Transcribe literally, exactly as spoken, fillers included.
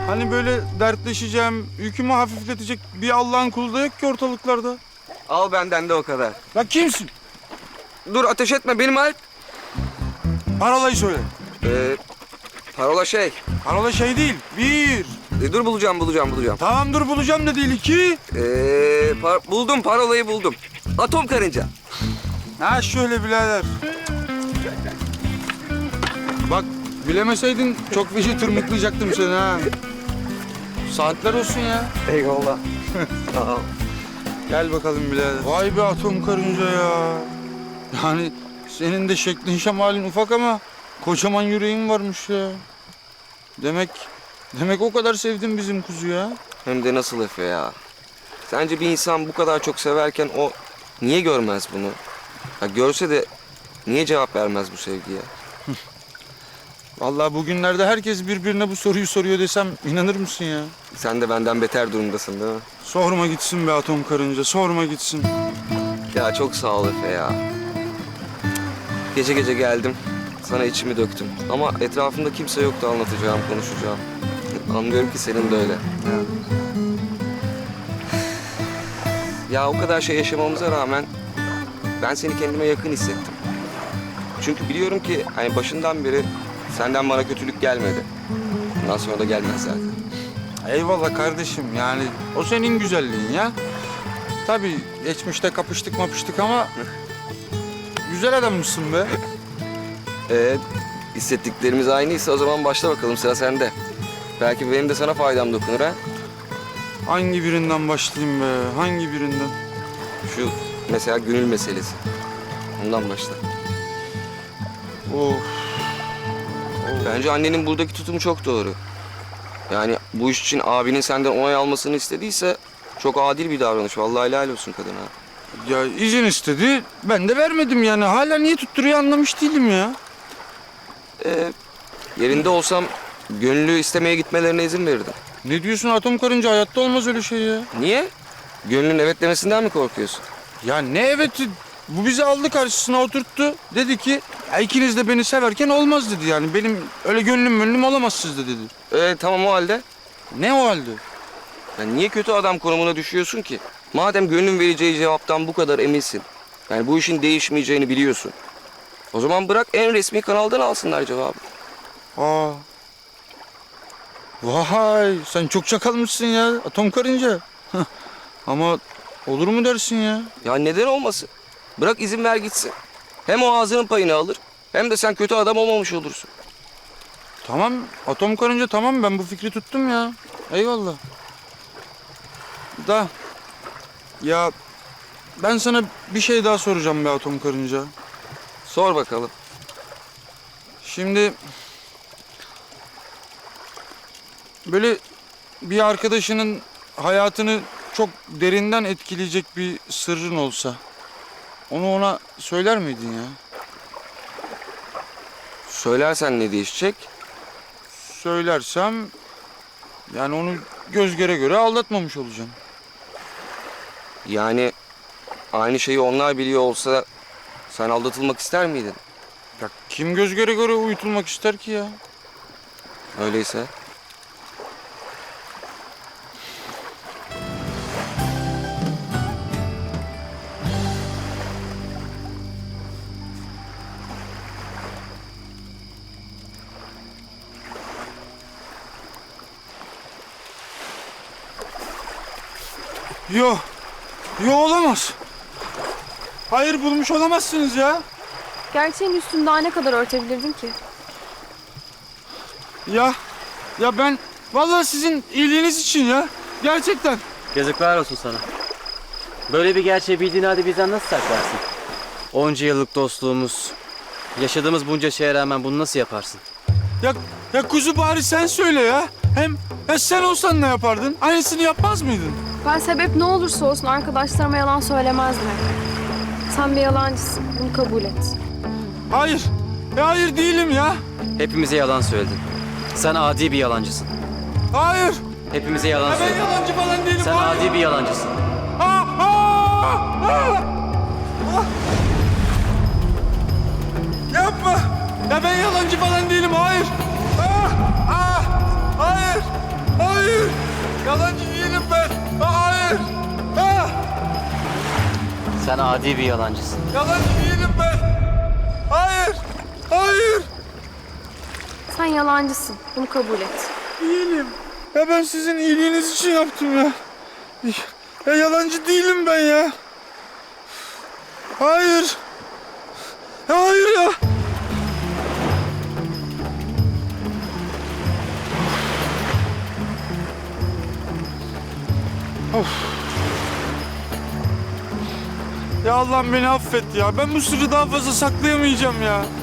Hani böyle dertleşeceğim, yükümü hafifletecek bir Allah'ın kulu da yok ki ortalıklarda. Al benden de o kadar. Ya kimsin? Dur ateş etme benim Alp. Parolayı söyle. Ee, parola şey. Parola şey değil. Bir. E, dur bulacağım bulacağım bulacağım. Tamam dur bulacağım da değil. İki. Ee, par- buldum parolayı buldum. Atom karınca. Ha şöyle birader. Bak bilemeseydin çok feci tırmıklayacaktım seni ha. Saatler olsun ya. Eyvallah. Sağ ol. Gel bakalım birader. Vay be atom karınca ya. Yani senin de şeklin şemalin ufak ama kocaman yüreğin varmış ya. Demek demek o kadar sevdin bizim kuzu ya. Hem de nasıl Efe ya. Sence bir insan bu kadar çok severken o niye görmez bunu? Ya görse de niye cevap vermez bu sevgiye? Vallahi bugünlerde herkes birbirine bu soruyu soruyor desem inanır mısın ya? Sen de benden beter durumdasın değil mi? Sorma gitsin be atom karınca, sorma gitsin. Ya çok sağ ol Efe ya. Gece gece geldim. Sana içimi döktüm. Ama etrafımda kimse yoktu anlatacağım, konuşacağım. Anlıyorum ki senin de öyle. Ya o kadar şey yaşamamıza rağmen ben seni kendime yakın hissettim. Çünkü biliyorum ki hani başından beri senden bana kötülük gelmedi. Bundan sonra da gelmez zaten. Eyvallah kardeşim yani o senin güzelliğin ya. Tabii geçmişte kapıştık mapıştık ama güzel adammışsın be. Ee, hissettiklerimiz aynıysa o zaman başla bakalım sıra sende. Belki benim de sana faydam dokunur ha. Hangi birinden başlayayım be, hangi birinden? Şu mesela gönül meselesi. Ondan başla. Of. Bence annenin buradaki tutumu çok doğru. Yani bu iş için abinin senden onay almasını istediyse çok adil bir davranış. Vallahi helal olsun kadına. Ya izin istedi, ben de vermedim yani. Hala niye tutturuyor anlamış değilim ya. Ee, yerinde olsam gönüllü istemeye gitmelerine izin verirdim. Ne diyorsun atom karınca, hayatta olmaz öyle şey ya. Niye? Gönlün evet demesinden mi korkuyorsun? Ya ne eveti, bu bizi aldı karşısına oturttu. Dedi ki ya ikiniz de beni severken olmaz dedi yani. Benim öyle gönlüm gönlüm olamazsınız da dedi. Ee, tamam o halde. Ne o halde? Ya niye kötü adam konumuna düşüyorsun ki? Madem gönlün vereceği cevaptan bu kadar eminsin. Yani bu işin değişmeyeceğini biliyorsun. O zaman bırak en resmi kanaldan alsınlar cevabı. Aa. Vay sen çok çakalmışsın ya atom karınca. Hah. Ama olur mu dersin ya? Ya neden olmasın? Bırak izin ver gitsin. Hem o ağzının payını alır hem de sen kötü adam olmamış olursun. Tamam atom karınca tamam, ben bu fikri tuttum ya. Eyvallah. Da ya ben sana bir şey daha soracağım be atom karınca. Sor bakalım. Şimdi böyle bir arkadaşının hayatını çok derinden etkileyecek bir sırrın olsa onu ona söyler miydin ya? Söylersen ne değişecek? Söylersem yani onu göz göre göre aldatmamış olacağım. Yani aynı şeyi onlar biliyor olsa sen aldatılmak ister miydin? Ya kim göz göre göre uyutulmak ister ki ya? Öyleyse. Yo, yo olamaz. Hayır bulmuş olamazsınız ya. Gerçeğin üstünde daha ne kadar örtebilirdin ki? Ya, ya ben vallahi sizin iyiliğiniz için ya. Gerçekten. Yazıklar olsun sana. Böyle bir gerçeği bildiğin halde bizden nasıl saklarsın? Onca yıllık dostluğumuz, yaşadığımız bunca şeye rağmen bunu nasıl yaparsın? Ya, ya kuzu bari sen söyle ya. Hem ya sen olsan ne yapardın? Aynısını yapmaz mıydın? Ben sebep ne olursa olsun arkadaşlarıma yalan söylemezdim hep. Sen bir yalancısın. Bunu kabul et. Hayır. Ya hayır değilim ya. Hepimize yalan söyledin. Sen adi bir yalancısın. Hayır. Hepimize yalan Ya ben söyledin. yalancı falan değilim. Sen hayır. adi bir yalancısın. Aa, aa, aa. Ah. Yapma. Ya ben yalancı falan değilim. Hayır. Ah, ah, hayır. Yalancı değilim ben. Hayır. Ha! Sen adi bir yalancısın. Yalancı değilim ben. Hayır. Hayır. Sen yalancısın. Bunu kabul et. Değilim. Ya ben sizin iyiliğiniz için yaptım ya. Ya yalancı değilim ben ya. Hayır. Ya hayır ya. Of. Ya Allah'ım beni affet ya. Ben bu sırrı daha fazla saklayamayacağım ya.